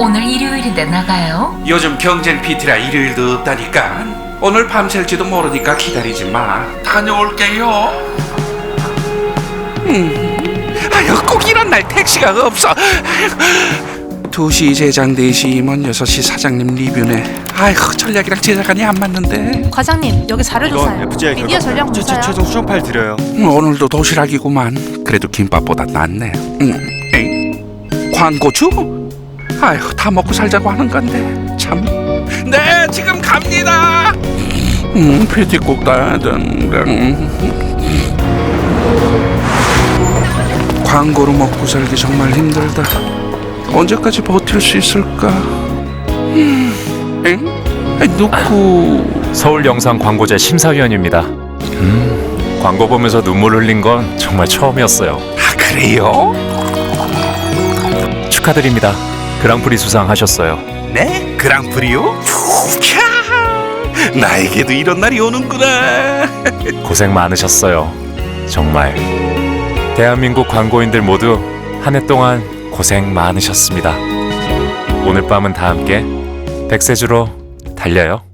오늘 일요일인데 나가요? 요즘 경쟁 PT라 일요일도 없다니까. 오늘 밤샐지도 모르니까 기다리지 마. 다녀올게요. 아유, 꼭 이런 날 택시가 없어. 아이고. 2시 제작 4시 임원 6시 사장님 리뷰네. 아이고, 전략이랑 제작안이 안 맞는데. 과장님, 여기 자료 이건 조사요. FGI 미디어 전략 문서요. 최종 수정 파일 드려요. 오늘도 도시락이구만. 그래도 김밥보다 낫네. 에이. 광고주? 아휴, 다 먹고 살자고 하는 건데 참. 네, 지금 갑니다. PT 꼭 따야 된다. 광고로 먹고 살기 정말 힘들다. 언제까지 버틸 수 있을까? 누구? 서울영상 광고제 심사위원입니다. 광고 보면서 눈물 흘린 건 정말 처음이었어요. 아, 그래요? 축하드립니다. 그랑프리 수상하셨어요. 네? 그랑프리요? 캬, 나에게도 이런 날이 오는구나. 고생 많으셨어요. 정말. 대한민국 광고인들 모두 한 해 동안 고생 많으셨습니다. 오늘 밤은 다 함께 백세주로 달려요.